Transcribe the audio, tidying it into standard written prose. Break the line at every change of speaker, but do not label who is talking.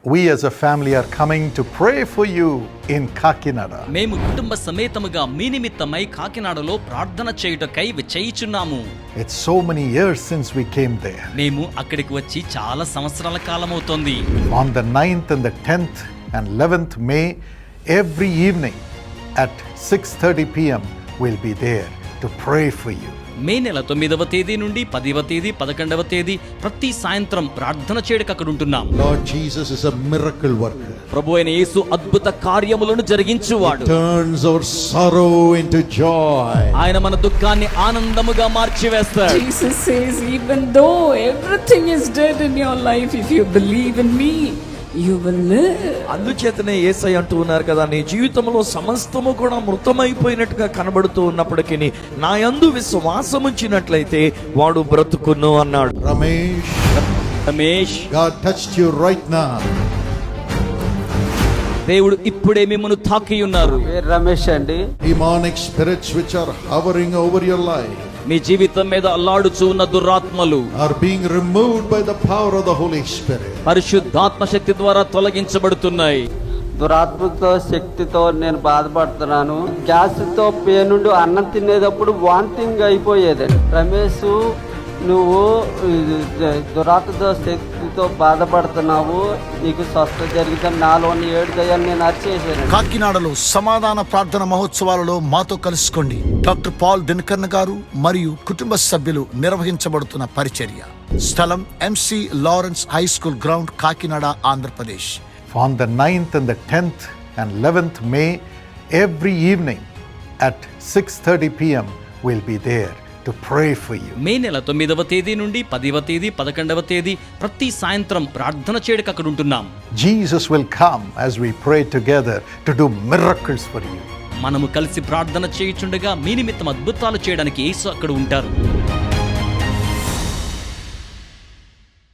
we as a family are coming to pray for you in Kakinada.
మేము కుటుంబ సమేతముగా మీ నిమిత్తమై కాకినాడలో ప్రార్థన చేయుటకై విచ్చేయుచున్నాము.
It's so many years since we came there.
మేము అక్కడికి వచ్చి చాలా సంవత్సరాల కాలమవుతోంది.
On the 9th and the 10th and 11th May, every evening at 6:30 p.m. we'll be there to pray for you.
May నెల 9వ తేదీ నుండి 10వ తేదీ 11వ తేదీ ప్రతి సాయంత్రం ప్రార్థన చేయడానికి అక్కడ ఉంటున్నాం.
Lord Jesus is a miracle worker.
ప్రభువైన యేసు అద్భుత కార్యములను జరిగించువాడు.
Turns our sorrow into joy.
ఆయన మన దుఃఖాన్ని ఆనందముగా మార్చివేస్తాడు.
Jesus says, even though everything is dead in your life, if you believe in me, you will live.
అందుచేతనే యేసయ్య అంటూ ఉన్నారు కదా, నీ జీవితంలో సమస్తము కూడా మృతమైపోయినట్టుగా కనబడుతూ ఉన్నప్పటికీ నా యందు విశ్వాసం ఉంచినట్లయితే వాడు బ్రతుకును అన్నాడు.
Ramesh,
God touched you right now.
దేవుడు ఇప్పుడే మిమ్మల్ని తాకి ఉన్నారు.
రమేష్ అండి.
Demonic spirits which are hovering over your life
మీ జీవితం మీద అల్లాడుచూ ఉన్న దురాత్మలు
are being removed by the power of the Holy Spirit.
పరిశుద్ధాత్మ శక్తి ద్వారా తొలగించబడుతున్నాయి.
దురాత్మతో శక్తితో నేను బాధపడుతున్నాను. గ్యాస్ తో పేనుండి అన్నం తినేటప్పుడు వాంతింగ్ అయిపోయేదండి. రమేష్, నువ్వు దురాత్మతో శక్తితో బాధపడుతున్నావు, నీకు స్వస్థత జరిగిందని నాలోని 7 దయ్యాలు నేను అరిచేసాను.
కాకినాడలో సమాధాన ప్రార్థన మహోత్సవాలలో మాతో కలుసుకోండి. డాక్టర్ పాల్ దినకర్ణ గారు మరియు కుటుంబ సభ్యులు నిర్వహించబడుతున్న పరిచర్య. స్థలం MC Lawrence high school ground, Kakinada, Andhra Pradesh.
On the 9th and the 10th and 11th May, every evening at 6:30 p.m. we'll be there to pray for you.
May నెల 9వ తేదీ నుండి 10వ తేదీ 11వ తేదీ ప్రతి సాయంత్రం ప్రార్థన చేయడానికి అక్కడ ఉంటున్నాం.
Jesus will come as we pray together to do miracles for you.
మనము కలిసి ప్రార్థన చేయుచుండగా మీ నిమిత్తం అద్భుతాలు చేయడానికి యేసు అక్కడ ఉంటారు.